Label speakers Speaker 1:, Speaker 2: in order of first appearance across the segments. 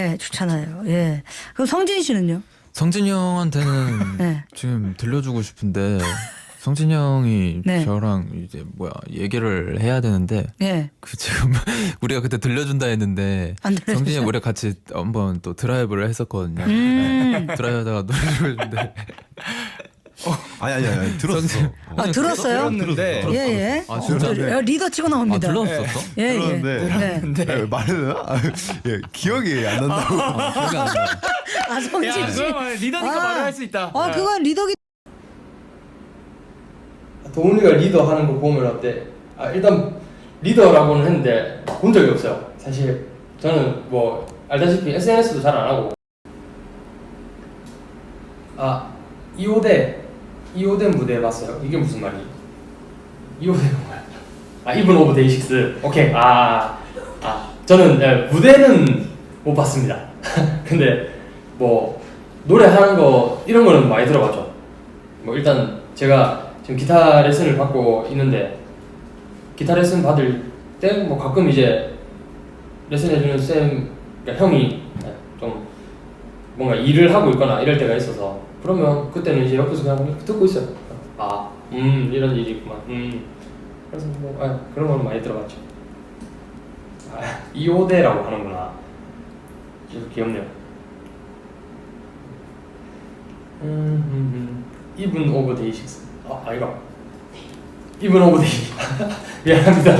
Speaker 1: 네, 좋잖아요. 예. 그럼 성진 씨는요?
Speaker 2: 성진이 형한테는
Speaker 1: 네.
Speaker 2: 지금 들려주고 싶은데 성진이 형이
Speaker 1: 네.
Speaker 2: 저랑 이제 얘기를 해야 되는데
Speaker 1: 예.
Speaker 2: 그 지금 우리가 그때 들려준다 했는데
Speaker 1: 안 들려주죠?
Speaker 2: 성진이 형 우리가 같이 한번 또 드라이브를 했었거든요. 드라이브하다가 노래를 부르는데
Speaker 3: 아니 들었어.
Speaker 1: 아, 들었어요?
Speaker 4: 들었는데
Speaker 1: 예, 예.
Speaker 2: 아, 진짜?
Speaker 1: 리더 치고 나옵니다.
Speaker 2: 들었었어?
Speaker 1: 예, 예.
Speaker 3: 들었는데
Speaker 1: 네.
Speaker 3: 말은 예, 기억이 안 난다고.
Speaker 2: 기억이 안 나.
Speaker 1: 아, 성진 씨.
Speaker 4: 그러면 리더니까
Speaker 1: 아.
Speaker 4: 말을 할 수 있다.
Speaker 1: 아, 그건 리더기.
Speaker 5: 도훈이가 리더 하는 거 보면 어때? 일단 리더라고는 했는데 본 적이 없어요. 사실 저는 뭐 알다시피 SNS도 잘 안 하고. 2호대 무대 봤어요? 이게 무슨 말이에요? 2호대가 뭐야? 이븐 오브 데이식스. 오케이. 저는 무대는 못 봤습니다. 근데 뭐 노래하는 거 이런 거는 많이 들어봤죠. 뭐 일단 제가 지금 기타 레슨을 받고 있는데 기타 레슨 받을 때 뭐 가끔 이제 레슨 해주는 쌤, 그러니까 형이 좀 뭔가 일을 하고 있거나 이럴 때가 있어서 그러면 그때는 이제 옆에서 그냥 듣고 있어요. 이런 일이 있구만. 그래서 뭐 그런 거는 많이 들어봤죠. 2호대라고 하는구나. 귀엽네요. 이븐 오브 데이식스. 이거 이븐 오브 데이. 미안합니다.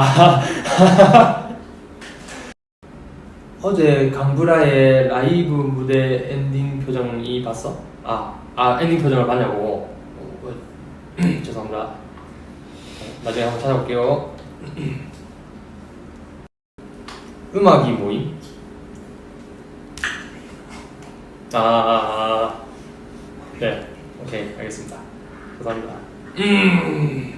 Speaker 5: 어제 강브라의 라이브 무대 엔딩 표정이 봤어? 엔딩 표정을 봤냐고. 죄송합니다. 나중에 한번 찾아볼게요. 음악이 모임? 네, 오케이, 알겠습니다. 감사합니다.